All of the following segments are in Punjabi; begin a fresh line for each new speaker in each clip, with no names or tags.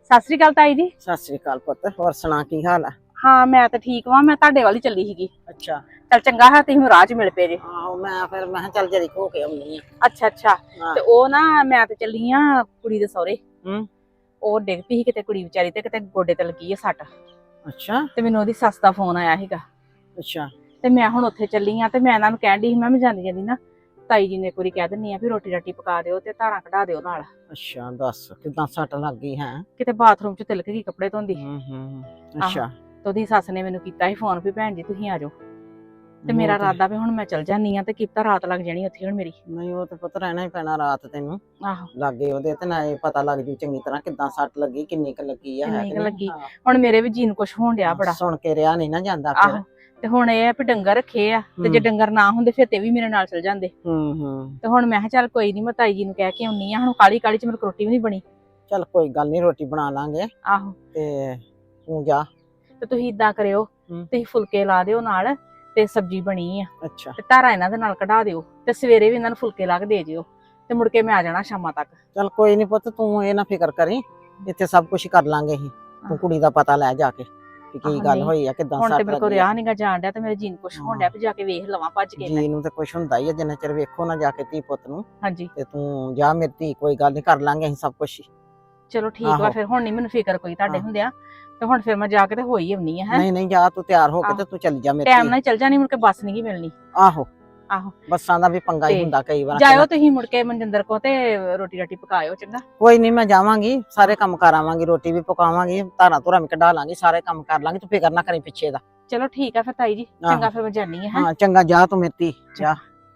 ਸਤਿ ਸ੍ਰੀ ਅਕਾਲ ਤਾਈ ਜੀ।
ਸਤਿ ਸ੍ਰੀ ਅਕਾਲ ਪੁੱਤ, ਹੋਰ ਸੁਣਾ ਕੀ ਹਾਲ ਆ?
ਹਾਂ ਮੈਂ ਤਾਂ ਠੀਕ ਵਾਂ, ਮੈਂ ਤੁਹਾਡੇ ਵੱਲ ਹੀ ਚੱਲੀ ਸੀਗੀ।
ਅੱਛਾ।
ਚੱਲ ਚੰਗਾ ਹੈ ਤੁਸੀਂ ਰਾਹ 'ਚ ਮਿਲ ਪਏ ਜੇ।
ਆਹੋ ਮੈਂ ਕਿਹਾ ਚੱਲ ਜਰੀ ਹੋ ਕੇ ਆਉਣੀ ਆ।
ਅੱਛਾ ਅੱਛਾ।
ਹਾਂ।
ਤੇ ਉਹ ਨਾ ਮੈਂ ਤੇ ਚੱਲੀ ਆ ਕੁੜੀ ਦੇ ਸਹੁਰੇ।
ਹੂੰ।
ਉਹ ਡਿੱਗ ਪਈ ਸੀ ਕਿਤੇ ਕੁੜੀ ਵਿਚਾਰੀ ਤੇ ਕਿਤੇ ਗੋਡੇ ਤੇ ਲੱਗੀ ਆ ਸੱਟ।
ਅੱਛਾ
ਤੇ ਮੈਨੂੰ ਉਹਦੀ ਸੱਸ ਦਾ ਫੋਨ ਆਇਆ ਸੀਗਾ
ਅੱਛਾ
ਤੇ ਮੈਂ ਹੁਣ ਉੱਥੇ ਚੱਲੀ ਆ ਤੇ ਮੈਂ ਇਹਨਾਂ ਨੂੰ ਕਹਿਣ ਡਈ ਸੀ ਮੈਂ ਜਾਂਦੀ ਜਾਂਦੀ ਨਾ ਤਾਈ ਜੀ ਨੇ ਇੱਕ ਵਾਰੀ ਕਹਿ ਦਿੰਨੀ ਆ ਵੀ ਰੋਟੀ ਰਾਟੀ ਪਕਾ ਦਿਓ ਤੇ ਧਾਰਾਂ ਕਢਾ ਦਿਓ ਨਾਲ।
ਅੱਛਾ ਦੱਸ ਕਿਦਾਂ ਸੱਟ ਲੱਗ ਗਈ ਹੈ?
ਕਿਤੇ ਬਾਥਰੂਮ 'ਚ ਤਿਲਕ ਗਈ ਕੱਪੜੇ ਧੋਂਦੀ।
ਅੱਛਾ।
ਤੇ ਉਹਦੀ ਸੱਸ ਨੇ ਮੈਨੂੰ ਕੀਤਾ ਸੀ ਫੋਨ ਵੀ ਭੈਣ ਜੀ ਤੁਸੀਂ ਆ ਜਾਓ ਤੇ
ਉਹ
ਮੇਰਾ
ਤੇ-
ਇਰਾਦਾ ਵੀ ਹੁਣ ਮੈਂ ਚੱਲ ਜਾਨੀ ਆ ਤੇ ਕਿਪਤਾ ਰਾਤ ਲੱਗ ਜਾਣੀ ਉੱਥੇ ਹੁਣ ਮੇਰੀ।
ਨਹੀਂ ਉਹ ਤੇ ਪੁੱਤ ਰਹਿਣਾ ਹੀ ਪੈਣਾ ਰਾਤ ਤੈਨੂੰ
ਆਹੋ
ਲਾਗੇ ਉਹਦੇ ਤੇ ਨਾ ਇਹ ਪਤਾ ਲੱਗ ਜੂ ਚੰਗੀ ਤਰ੍ਹਾਂ ਕਿਦਾਂ ਸੱਟ ਲੱਗੀ ਕਿੰਨੀ ਕੁ ਲੱਗੀ ਆ।
ਕਿੰਨੀ ਕੁ ਲੱਗੀ।
ਹਾਂ।
ਹੁਣ ਮੇਰੇ ਵੀ ਜੀਨ ਕੁਛ ਹੋਣ ਡਿਆ ਬੜਾ।
ਸੁਣ ਕੇ ਰਿਹਾ ਨਹੀਂ ਨਾ ਜਾਂਦਾ ਫਿਰ।
ਆਹੋ ਤੇ ਹੁਣ ਇਹ ਆ ਵੀ ਡੰਗਰ ਰੱਖੇ ਆ ਤੇ ਜੇ ਡੰਗਰ ਨਾ ਹੁੰਦੇ ਫਿਰ ਤੇ ਵੀ ਮੇਰੇ ਨਾਲ ਚਲ ਜਾਂਦੇ।
ਹੂੰ।
ਤੇ ਹੁਣ ਮੈਂ ਕਿਹਾ ਚੱਲ ਕੋਈ ਨਹੀਂ ਮੈਂ ਤਾਈ ਜੀ ਨੂੰ ਕਹਿ ਕੇ ਆਉਣੀ ਆ। ਹੁਣ ਕਾਲੀ ਕਾਲੀ 'ਚ ਮੇਰੇ ਕੋਲ ਰੋਟੀ ਵੀ ਨਹੀਂ ਬਣੀ।
ਚੱਲ ਕੋਈ ਗੱਲ ਨਹੀਂ ਰੋਟੀ ਬਣਾ ਲਾਂਗੇ
ਆਹੋ
ਤੇ ਤੂੰ ਜਾ।
ਤੇ ਤੁਸੀਂ ਇਦਾਂ ਕਰਿਓ ਤੁਸੀਂ ਫੁਲਕੇ ਲਾ ਦਿਓ ਨਾਲ ਤੇ ਸਬਜ਼ੀ ਬਣੀ ਆ
ਅੱਛਾ
ਤੇ ਧਾਰਾ ਇਹਨਾਂ ਦੇ ਨਾਲ ਕਢਾ ਦਿਓ ਤੇ ਸਵੇਰੇ ਵੀ ਇਹਨਾਂ ਨੂੰ ਫੁਲਕੇ ਲਾ ਕੇ ਦੇ ਜਿਓ ਤੇ ਮੁੜ ਕੇ ਮੈਂ ਆ ਜਾਣਾ ਸ਼ਾਮਾਂ ਤੱਕ।
ਚੱਲ ਕੋਈ ਨਹੀਂ ਪੁੱਤ ਤੂੰ ਇਹ ਨਾ ਫਿਕਰ ਕਰੀ, ਇੱਥੇ ਸਭ ਕੁਝ ਕਰ ਲਾਂਗੇ ਅਸੀਂ। ਤੂੰ ਕੁੜੀ ਦਾ ਪਤਾ ਲੈ ਜਾ ਕੇ ਕਿ ਕੀ ਗੱਲ ਹੋਈ ਆ ਕਿਦਾਂ
ਹੁਣ
ਸੱਟ
ਤੇ ਮੇਰੇ ਕੋਲ
ਲੱਗੀ
ਰਿਆ ਨਹੀਂਗਾ ਜਾਣ ਡਿਆ ਤੇ ਮੇਰੇ ਜੀਨ ਕੁਛ ਹੋਣ ਡਿਆ ਵੀ ਜਾ ਕੇ ਵੇਖ ਲਵਾਂ ਭੱਜ ਕੇ।
ਜੀ ਨੂੰ ਤੇ ਕੁਝ ਹੁੰਦਾ ਹੀ ਆ ਜਿੰਨਾ ਚਿਰ ਵੇਖੋ ਨਾ ਜਾ ਕੇ ਧੀ ਪੁੱਤ ਨੂੰ।
ਹਾਂਜੀ
ਤੇ ਤੂੰ ਜਾ ਮੇਰੀ ਧੀ, ਕੋਈ ਗੱਲ ਨਹੀਂ ਕਰ ਲਾਂਗੇ ਅਸੀਂ ਸਭ ਕੁਝ।
ਚਲੋ ਠੀਕ ਵਾ ਫਿਰ ਹੁਣ ਨਹੀਂ ਮੈਨੂੰ ਫਿਕਰ ਕੋਈ ਤੁਹਾਡੇ ਹੁੰਦਿਆ ਤੇ ਹੁਣ ਫਿਰ ਮੈਂ ਜਾ ਕੇ ਤੇ ਹੋਈ ਆਉਣੀ ਆ। ਹੈ
ਨਹੀਂ ਜਾ ਤੂੰ ਤਿਆਰ ਹੋ ਕੇ ਤੇ ਤੂੰ ਚੱਲ ਜਾ ਮੇਰੀ
ਟਾਈਮ ਨਾਲ ਚੱਲ ਜਾਣੀ ਮੁੜ ਕੇ ਬੱਸ ਨਹੀਂ ਮਿਲਣੀ।
ਆਹੋ
ਆਹੋ
ਬੱਸਾਂ ਦਾ ਵੀ ਪੰਗਾ ਹੀ ਹੁੰਦਾ ਕਈ ਵਾਰ।
ਜਾਇਓ ਤੁਸੀਂ ਮੁੜ ਕੇ ਮਨਜਿੰਦਰ ਕੋ ਤੇ ਰੋਟੀ ਰਾਟੀ ਪਕਾਇਓ ਚੰਗਾ।
ਕੋਈ ਨਹੀਂ ਮੈਂ ਜਾਵਾਂਗੀ, ਸਾਰੇ ਕੰਮ ਕਰਾਵਾਂਗੀ, ਰੋਟੀ ਵੀ ਪਕਾਵਾਂਗੀ, ਧਾਰਾਂ ਧੁਰਾਂ ਵੀ ਕਢਾ ਲਾਂਗੀ, ਸਾਰੇ ਕੰਮ ਕਰ ਲਾਂਗੀ, ਤੂੰ ਫਿਕਰ ਨਾ ਕਰੀ ਪਿੱਛੇ ਦਾ।
ਚਲੋ ਠੀਕ ਆ ਫਿਰ ਤਾਈ ਜੀ ਚੰਗਾ ਫਿਰ ਮੈਂ ਜਾਨੀ ਆ।
ਹਾਂ ਚੰਗਾ ਜਾ ਤੂੰ ਮੇਰੀ ਧੀ ਜਾ।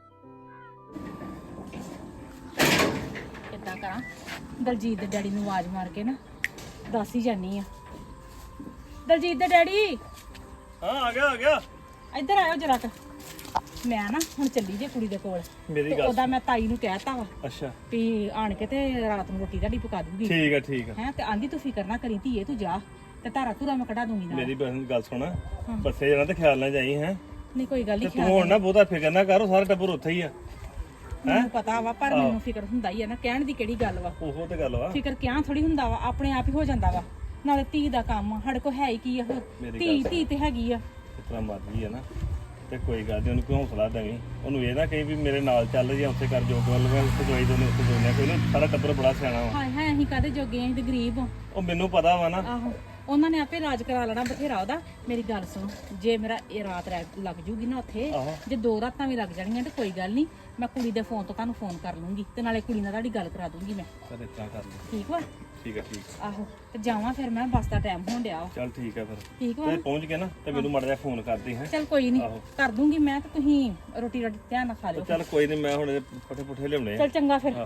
ਕਿੱਦਾਂ ਕਰਾਂ ਦਲਜੀਤ ਦੇ ਡੈਡੀ ਨੂੰ ਆਵਾਜ਼ ਮਾਰ ਕੇ ਨਾ ਦੱਸ ਹੀ ਜਾਨੀ ਆ। ਦਲਜੀਤ ਦੇ ਡੈਡੀ।
ਹਾਂ ਆ ਗਿਆ
ਇੱਧਰ ਆਇਓ ਜਰਾ ਕ। ਮੈਂ ਨਾ ਹੁਣ ਚੱਲੀ ਜੇ ਕੁੜੀ ਦੇ ਕੋਲ
ਮੇਰੀ
ਤੇ
ਗੱਲ
ਉਹਦਾ ਮੈਂ ਤਾਈ ਨੂੰ ਕਹਿਤਾ ਵਾ
ਅੱਛਾ
ਵੀ ਆਣ ਕੇ ਤੇ ਰਾਤ ਨੂੰ ਰੋਟੀ ਤੁਹਾਡੀ ਪਕਾ ਦੂੰਗੀ।
ਠੀਕ ਆ
ਹੈ ਤੇ ਆਂਦੀ ਤੂੰ ਫਿਕਰ ਨਾ ਕਰੀ ਧੀਏ ਤੂੰ ਜਾ ਤੇ ਧਾਰਾ ਧੂਰਾ ਮੈਂ ਕਢਾ ਦੂੰਗੀ ਨਾਲ।
ਮੇਰੀ ਗੱਲ ਸੁਣ, ਬੱਸੇ ਜਾਣਾ ਤੇ ਖਿਆਲ ਨਾਲ ਜਾਈ ਹੈ।
ਨਹੀਂ ਕੋਈ ਗੱਲ
ਤੇ
ਨਹੀਂ
ਤੂੰ ਹੁਣ ਨਾ ਬਹੁਤਾ ਫਿਕਰ ਨਾ ਕਰ, ਸਾਰਾ ਟੱਬਰ ਉੱਥੇ ਹੀ ਆ।
ਮੈਨੂੰ ਪਤਾ ਵਾ ਪਰ ਮੈਨੂੰ ਫਿਕਰ ਹੁੰਦਾ ਹੀ ਆ ਨਾ, ਕਹਿਣ ਦੀ ਕਿਹੜੀ ਗੱਲ ਵਾ।
ਉਹੋ ਤੇ ਗੱਲ ਵਾ।
ਫਿਕਰ ਕਿਆਂ ਥੋੜੀ ਹੁੰਦਾ ਵਾ, ਆਪਣੇ ਆਪ ਹੀ ਹੋ ਜਾਂਦਾ ਵਾ। ਨਾਲੇ ਧੀ ਦਾ ਕੰਮ ਆ, ਸਾਡੇ ਕੋਲ ਹੈ ਹੀ ਕੀ ਆ। ਧੀ ਤੇ ਹੈਗੀ ਆ।
ਇਤਨਾ ਮਰਜ਼ੀ ਆ ਨਾ ਤੇ ਕੋਈ ਗੱਲ ਨਹੀਂ, ਉਹਨੂੰ ਕੋਈ ਹੌਸਲਾ ਦੇਵੀਂ। ਉਹਨੂੰ ਇਹ ਨਾ ਕਹੀ ਵੀ ਮੇਰੇ ਨਾਲ ਚੱਲ ਜਾਂ ਉੱਥੇ ਕਰ ਜੋ ਗੱਲ ਮੈਂ ਉੱਥੇ ਦਵਾਈ ਦੋਨੇ ਉੱਥੇ ਦੋਨੇ ਕੋਈ ਨਾ, ਸਾਰਾ ਟੱਬਰ ਬੜਾ ਸਿਆਣਾ ਵਾ।
ਹਾਏ ਹਾਏ ਅਸੀਂ ਕਾਹਦੇ ਜੋਗੇ ਆਂ, ਅਸੀਂ ਤੇ ਗਰੀਬ ਆ।
ਉਹ ਮੈਨੂੰ ਪਤਾ ਵਾ ਨਾ।
ਆਹੋ ਉਹਨਾਂ ਨੇ ਆਪੇ ਰਾਜ ਕਰਾ ਲੈਣਾ ਬਥੇਰਾ ਉਹਦਾ। ਮੇਰੀ ਗੱਲ ਸੁਣ, ਜੇ ਮੇਰਾ ਇਹ ਰਾਤ ਲੱਗ ਜੂਗੀ ਨਾ ਉੱਥੇ, ਜੇ 2 ਰਾਤਾਂ ਵੀ ਲੱਗ ਜਾਣੀਆਂ ਤੇ ਕੋਈ ਗੱਲ ਨਹੀਂ, ਮੈਂ ਕੁੜੀ ਦੇ ਫੋਨ ਤੋਂ ਤੁਹਾਨੂੰ ਫੋਨ ਕਰ ਲੂੰਗੀ ਤੇ ਨਾਲੇ ਕੁੜੀ ਨਾਲ ਤੁਹਾਡੀ ਗੱਲ ਕਰਾ ਦੂੰਗੀ ਮੈਂ।
ਚੱਲ ਇਤਨਾ ਕਰ ਲੈ।
ਠੀਕ ਵਾ?
ਠੀਕ ਆ।
ਆਹੋ ਤੇ ਜਾਵਾਂ ਫਿਰ ਮੈਂ, ਬੱਸ ਦਾ ਟਾਈਮ ਹੋਣ ਡਿਆ ਵਾ।
ਚੱਲ ਠੀਕ ਆ ਫਿਰ।
ਠੀਕ ਵਾ?
ਤੇ ਪਹੁੰਚ ਕੇ ਨਾ ਤੇ ਮੈਨੂੰ ਮਾੜਾ ਜਿਹਾ ਫੋਨ ਕਰਦੀ ਹੈ।
ਚੱਲ ਕੋਈ ਨਹੀਂ ਕਰ ਦੂੰਗੀ ਮੈਂ, ਤੇ ਤੁਸੀਂ ਰੋਟੀ ਰਾਟੀ ਧਿਆਨ ਨਾਲ ਖਾ ਲਿਓ।
ਚੱਲ ਕੋਈ ਨਹੀਂ, ਮੈਂ ਹੁਣ ਪੱਠੇ ਪੁੱਠੇ ਲਿਆਉਣੇ ਆ।
ਚੱਲ ਚੰਗਾ ਫਿਰ।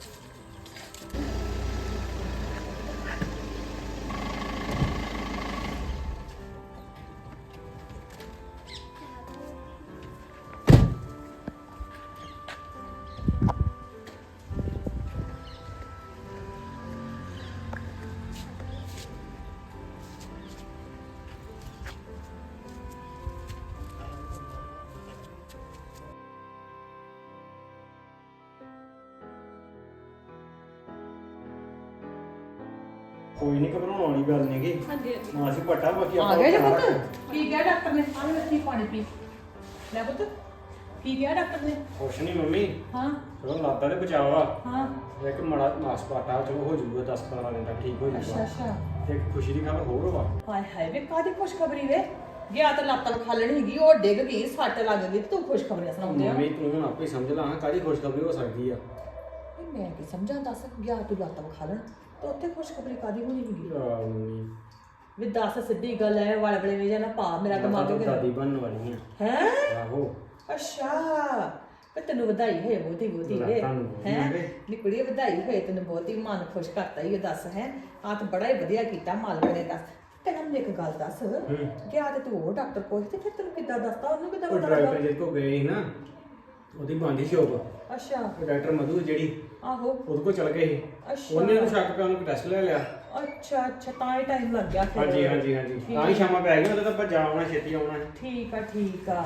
ਕੋਈ ਨਹੀਂ ਘਬਰਾਉਣ ਵਾਲੀ ਗੱਲ ਨਹੀਂ ਗੀ।
ਹਾਂਜੀ
ਮਾਂ ਸੀ ਪਟਾ ਬਾਕੀ
ਆ ਗਿਆ ਜੀ ਪੁੱਤ। ਕੀ ਕਿਹਾ ਡਾਕਟਰ ਨੇ? ਆਹ ਲੱਸੀ ਪਾਣੀ ਪੀ ਲੈ ਪੁੱਤ। ਕੀ ਕਿਹਾ ਡਾਕਟਰ ਨੇ?
ਕੁਛ ਨਹੀਂ ਮੰਮੀ,
ਹਾਂ
ਚਲੋ ਲਾਤਾ ਤੇ ਬਚਾਵਾ।
ਹਾਂ
ਇੱਕ ਮਾੜਾ ਮਾਸ ਪਾਟਾ ਚਲੋ ਹੋ ਜਾਊਗਾ 10-15 ਦਿਨ ਤੱਕ ਠੀਕ ਹੋ ਜਾਊਗਾ।
ਅੱਛਾ
ਤੇ ਇੱਕ ਖੁਸ਼ੀ ਦੀ ਖਬਰ ਹੋਰ ਵਾ।
ਹਾਏ ਹਾਏ ਵੇ ਕਾਦੀ ਖੁਸ਼ਖਬਰੀ ਵੇ। ਗਿਆ ਤਾਂ ਲੱਤ ਖਾਲਣ ਹੈਗੀ, ਉਹ ਡਿੱਗ ਗਈ, ਸੱਟ ਲੱਗ ਗਈ, ਤੂੰ ਖੁਸ਼ਖਬਰੀਆਂ ਸੁਣਾਉਂਦੇ ਆ।
ਮੰਮੀ ਤੂੰ ਹੁਣ ਆਪੇ ਸਮਝ ਲਾ ਕਾਹਦੀ ਖੁਸ਼ਖਬਰੀ ਹੋ ਸਕਦੀ ਆ।
ਮੈਂ ਕੀ ਸਮਝਾਂ, ਦੱਸ। ਗਿਆ ਤੂੰ ਲੱਤ ਖਾਲਣ ਤੇ ਉੱਥੇ ਖੁਸ਼ਖਬਰੀ ਕਾਦੀ ਹੋਣੀ ਹੈਗੀ?
ਮੰਮੀ
ਵੀ ਦੱਸ ਸਿੱਧੀ ਗੱਲ ਐ, ਵਾਲੇ ਵਾਲੇ ਵੇ ਜਾਂ ਨਾ ਪਾ ਮੇਰਾ ਦਿਮਾਗ
ਤਾਂ
ਕਿਤੇ
ਦਾਦੀ ਬਣਨ ਵਾਲੀ ਆ।
ਹੈ।
ਆਹੋ
ਅੱਛਾ ਤੇ ਤੈਨੂੰ ਵਧਾਈ ਹੋਏ ਬਹੁਤੀ ਬਹੁਤੀ ਵੇ। ਹੈ ਨਿਕੜੀ ਵਧਾਈ ਹੋਏ ਤੈਨੂੰ ਬਹੁਤੀ, ਮਨ ਖੁਸ਼ ਕਰਤਾ ਹੀ। ਦੱਸ ਹੈ ਆ ਤਾਂ ਬੜਾ ਹੀ ਵਧੀਆ ਕੀਤਾ ਮਾਲਕ ਨੇ। ਦੱਸ ਤੈਨੂੰ ਮੈਨੂੰ ਇੱਕ ਗੱਲ ਦੱਸ, ਗਿਆ ਤੇ ਤੂੰ ਉਹ ਡਾਕਟਰ ਕੋਲ ਤੇ ਫਿਰ ਤੈਨੂੰ ਕਿੱਦਾਂ ਦੱਸਤਾ, ਉਹਨੂੰ ਕਿੱਦਾਂ
ਉਹ
ਪਤਾ
ਡਾਕਟਰ
ਲੱਗਾ?
ਜਿਹਦੇ ਕੋਲ ਗਏ ਸੀ ਨਾ, ਉਹਦੀ ਬੰਦੀ ਸ਼ੋਪ।
ਅੱਛਾ
ਉਹ ਡਾਕਟਰ ਮਧੂ ਜਿਹੜੀ,
ਆਹੋ
ਉਹਦੇ ਕੋਲ ਚਲ ਗਏ ਸੀ।
ਅੱਛਾ
ਉਹਨੇ ਉਹਨੂੰ ਸ਼ੱਕ ਪਿਆ, ਉਹਨੂੰ ਟੈਸਟ ਲੈ ਲਿਆ।
ਅੱਛਾ ਤਾਂ ਹੀ ਟਾਈਮ ਲੱਗ ਗਿਆ ਫਿਰ।
ਹਾਂਜੀ ਤਾਂ ਹੀ ਸ਼ਾਮਾਂ ਪੈ ਗਈਆਂ, ਉਹਦਾ ਤਾਂ ਆਪਾਂ ਜਾ ਆਉਣਾ, ਛੇਤੀ ਆਉਣਾ।
ਠੀਕ ਆ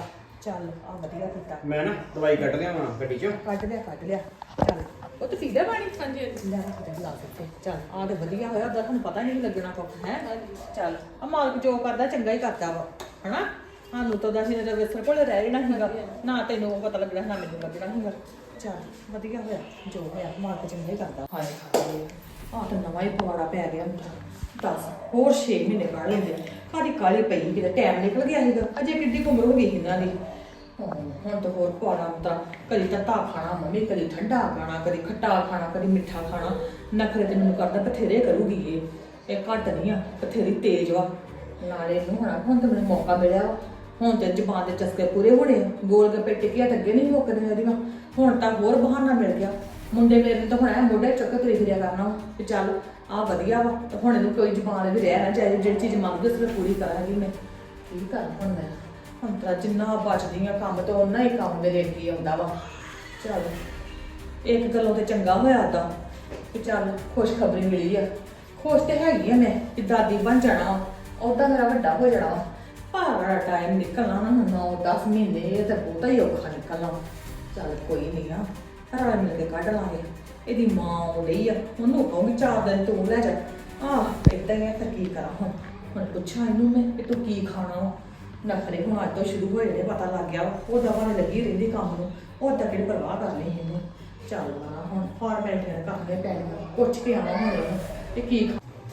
ਚੱਲ ਆ ਵਧੀਆ ਕੀਤਾ।
ਮੈਂ ਨਾ ਦਵਾਈ ਕੱਢ ਲਿਆ ਵਾਂ ਗੱਡੀ 'ਚ।
ਕੱਢ ਲਿਆ ਚੱਲ ਉਹ ਤੇ ਪੀਦਾ ਪਾਣੀ ਹਾਂਜੀ ਲੈ ਲਾ ਦਿੱਤੇ ਚੱਲ ਆ ਤੇ ਵਧੀਆ ਹੋਇਆ ਉਹਦਾ ਤੁਹਾਨੂੰ ਪਤਾ ਨਹੀਂ ਲੱਗਣਾ ਕੁਛ ਹੈ ਚੱਲ ਆ ਮਾਲਕ ਜੋ ਕਰਦਾ ਚੰਗਾ ਹੀ ਕਰਦਾ ਵਾ ਹਨਾ ਸਾਨੂੰ ਤਾਂ ਅਸੀਂ ਤਾਂ ਵੇਸਰ ਕੋਲ ਰਹਿ ਜਾਣਾ ਸੀਗਾ ਨਾ ਤੈਨੂੰ ਪਤਾ ਲੱਗਣਾ ਨਾ ਮੈਨੂੰ ਲੱਗਣਾ ਸੀਗਾ ਚੱਲ ਵਧੀਆ ਹੋਇਆ ਜੋ ਹੋਇਆ ਮਾਲਕ ਚੰਗਾ ਹੀ ਕਰਦਾ ਹਾਏ ਹਾਏ ਆ ਤਾਂ ਨਵਾਂ ਹੀ ਪਵਾੜਾ ਪੈ ਗਿਆ ਮੈਨੂੰ ਦੱਸ ਹੋਰ 6 ਮਹੀਨੇ ਕੱਢ ਲੈਂਦੇ ਕਾਹਦੀ ਕਾਲੀ ਪਈ ਕਿਤੇ ਟਾਈਮ ਨਿਕਲ ਗਿਆ ਸੀਗਾ ਅਜੇ ਕਿੱਡੀ ਉਮਰ ਹੋ ਗਈ ਇਹਨਾਂ ਦੀ ਹੁਣ ਤਾਂ ਹੋਰ ਪਾਣਾ ਹੁੰਦਾ ਕਦੀ ਤੱਤਾ ਖਾਣਾ ਮੰਮੀ ਕਦੀ ਠੰਡਾ ਖਾਣਾ ਕਦੀ ਖੱਟਾ ਖਾਣਾ ਕਦੀ ਮਿੱਠਾ ਖਾਣਾ ਨਖਰੇ ਤੇ ਮੈਨੂੰ ਕਰਦਾ ਬਥੇਰੇ ਕਰੂਗੀ ਇਹ ਘੱਟ ਨਹੀਂ ਆ ਬਥੇਰੀ ਤੇਜ਼ ਵਾ ਨਾਲੇ ਨੂੰ ਹੁਣ ਤਾਂ ਮੈਨੂੰ ਮੌਕਾ ਮਿਲਿਆ ਵਾ ਹੁਣ ਤੇ ਜ਼ੁਬਾਨ ਦੇ ਚਸਕੇ ਪੂਰੇ ਹੋਣੇ ਗੋਲ ਗੱਪੇ ਟਿੱਕੀਆਂ ਤਾਂ ਅੱਗੇ ਨਹੀਂ ਮੁੱਕਦੀਆਂ ਇਹਦੀਆਂ ਹੁਣ ਤਾਂ ਹੋਰ ਬਹਾਨਾ ਮਿਲ ਗਿਆ ਮੁੰਡੇ ਮੇਰੇ ਨੂੰ ਤਾਂ ਹੁਣ ਐ ਮੋਢੇ ਚੁੱਕ ਕੇ ਫਿਰਿਆ ਕਰਨਾ ਕਿ ਚੱਲ ਆ ਵਧੀਆ ਵਾ ਤੇ ਹੁਣ ਇਹਨੂੰ ਕੋਈ ਜ਼ੁਬਾਨ ਵੀ ਰਹਿ ਨਾ ਜਾਏ ਜਿਹੜੀ ਚੀਜ਼ ਮੰਗਦੇ ਉਸ ਪੂਰੀ ਕਰਾਂਗੀ ਮੈਂ ਕੀ ਕਰਾਂ ਹੁਣ ਮੈਂ ਹੁਣ ਤਾਂ ਜਿੰਨਾ ਬਚਦੀਆਂ ਕੰਮ ਤੋਂ ਉਹਨਾਂ ਹੀ ਕੰਮ ਮੇਰੇ ਅੱਗੇ ਆਉਂਦਾ ਵਾ ਚੱਲ ਇੱਕ ਗੱਲੋਂ ਤੇ ਚੰਗਾ ਹੋਇਆ ਤਾਂ ਕਿ ਚੱਲ ਖੁਸ਼ਖਬਰੀ ਮਿਲੀ ਆ ਖੁਸ਼ ਤੇ ਹੈਗੀ ਆ ਮੈਂ ਕਿ ਦਾਦੀ ਬਣ ਜਾਣਾ ਉਹਦਾ ਮੇਰਾ ਵੱਡਾ ਹੋ ਜਾਣਾ ਭਾਰਾ ਟਾਈਮ ਨਿਕਲਣਾ ਨਾ 9-10 ਮਹੀਨੇ ਇਹ ਤਾਂ ਬਹੁਤਾ ਹੀ ਔਖਾ ਨਿਕਲਣਾ ਚੱਲ ਕੋਈ ਨਹੀਂ ਆ ਰਲ ਮਿਲ ਕੇ ਕੱਢ ਲਾਂਗੇ ਇਹਦੀ ਮਾਂ ਉਹ ਲਈ ਆ ਉਹਨੂੰ ਕਹੂੰਗੀ 4 ਦਿਨ ਤੂੰ ਲੈ ਜਾ ਏਦਾਂ ਹੀ ਆ ਤਾਂ ਕੀ ਕਰਾਂ ਹੁਣ ਪੁੱਛਾਂ ਇਹਨੂੰ ਮੈਂ ਕਿ ਤੂੰ ਕੀ ਖਾਣਾ ਵਾ ਨਖਰੇ ਹੁਣ ਅੱਜ ਤੋਂ ਸ਼ੁਰੂ ਹੋਏ ਨੇ ਪਤਾ ਲੱਗ ਗਿਆ ਉਹ ਦਵਾ ਲੱਗੀ ਰਹਿੰਦੀ ਕੰਮ ਨੂੰ ਉਹ ਤਾਂ ਕਿਹੜੀ ਪਰਵਾਹ ਕਰ ਲਈ ਇਹਨੂੰ ਚੱਲ ਨਾ ਹੁਣ ਫਾਰਮੈਲਿਟੀਆਂ ਕਰਨੇ ਪੈਣੀਆਂ ਪੁੱਛ ਕੇ ਆਵਾਂ ਹੁਣ ਇਹਨੂੰ ਤੇ ਕੀ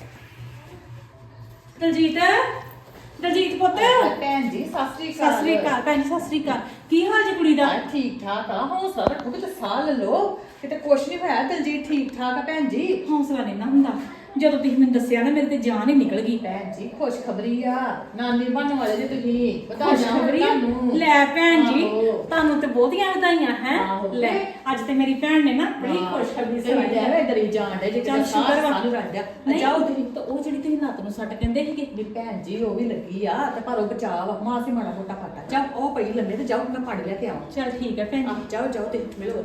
ਦਲਜੀਤ ਪੁੱਤ
ਭੈਣ ਜੀ ਸਤਿ ਸ੍ਰੀ ਅਕਾਲ
ਭੈਣ ਜੀ ਸਤਿ ਸ੍ਰੀ ਅਕਾਲ ਕੀ ਹਾਲ ਜੀ ਕੁੜੀ ਦਾ
ਠੀਕ ਠਾਕ ਆ ਹੌਸਲਾ ਰੱਖੋ ਕਿ ਸਾਹ ਲੈ ਲਓ ਕਿਤੇ ਕੁਛ ਨਹੀਂ ਹੋਇਆ ਦਲਜੀਤ ਠੀਕ ਠਾਕ ਆ ਭੈਣ ਜੀ
ਹੌਸਲਾ ਨਹੀਂ ਨਾ ਹੁੰਦਾ ਜਦੋਂ ਤੁਸੀਂ ਮੈਨੂੰ ਦੱਸਿਆ ਨਾ ਮੇਰੇ ਤੇ ਜਾਨ ਹੀ ਨਿਕਲ ਗਈ
ਭੈਣ ਜੀ ਖੁਸ਼ਖਬਰੀ ਆ ਨਾਨੀ ਬਣਨ ਵਾਲੇ ਜੀ ਤੁਸੀਂ ਵਧਾਈਆਂ ਹੋਣ ਤੁਹਾਨੂੰ
ਲੈ ਭੈਣ ਜੀ
ਆਹੋ।
ਤੁਹਾਨੂੰ ਤੇ ਬਹੁਤੀਆਂ ਵਧਾਈਆਂ ਹੈ
ਆਹੋ।
ਲੈ ਅੱਜ ਤੇ ਮੇਰੀ ਭੈਣ ਨੇ ਨਾ ਬੜੀ ਖੁਸ਼ਖਬਰੀ ਸੁਣਾਈ ਹੈ
ਡਰੀ ਜਾਣ ਦੇ ਜੇ
ਚੱਲ ਸ਼ੁਕਰ ਵਾ।
ਸਾਨੂੰ ਰੱਖਿਆ
ਨਹੀਂ
ਜਾਓ ਤੁਸੀਂ
ਤਾਂ ਉਹ ਜਿਹੜੀ ਤੁਸੀਂ ਲੱਤ ਨੂੰ ਸੱਟ ਕਹਿੰਦੇ ਸੀਗੇ
ਵੀ ਭੈਣ ਜੀ ਉਹ ਵੀ ਲੱਗੀ ਆ ਤੇ ਪਰ ਉਹ ਬਚਾਅ ਵਾ ਮਾਂ ਸੀ ਮਾੜਾ ਮੋਟਾ ਫਾਟਾ ਜਾ ਉਹ ਪਈ ਲੰਮੇ ਤੇ ਜਾਓ ਮੈਂ ਪਾਣੀ ਲੈ ਕੇ ਆਵਾਂ
ਚੱਲ ਠੀਕ ਹੈ ਭੈਣ ਜੀ
ਜਾਓ ਜਾਓ ਤੇ ਮਿਲੋ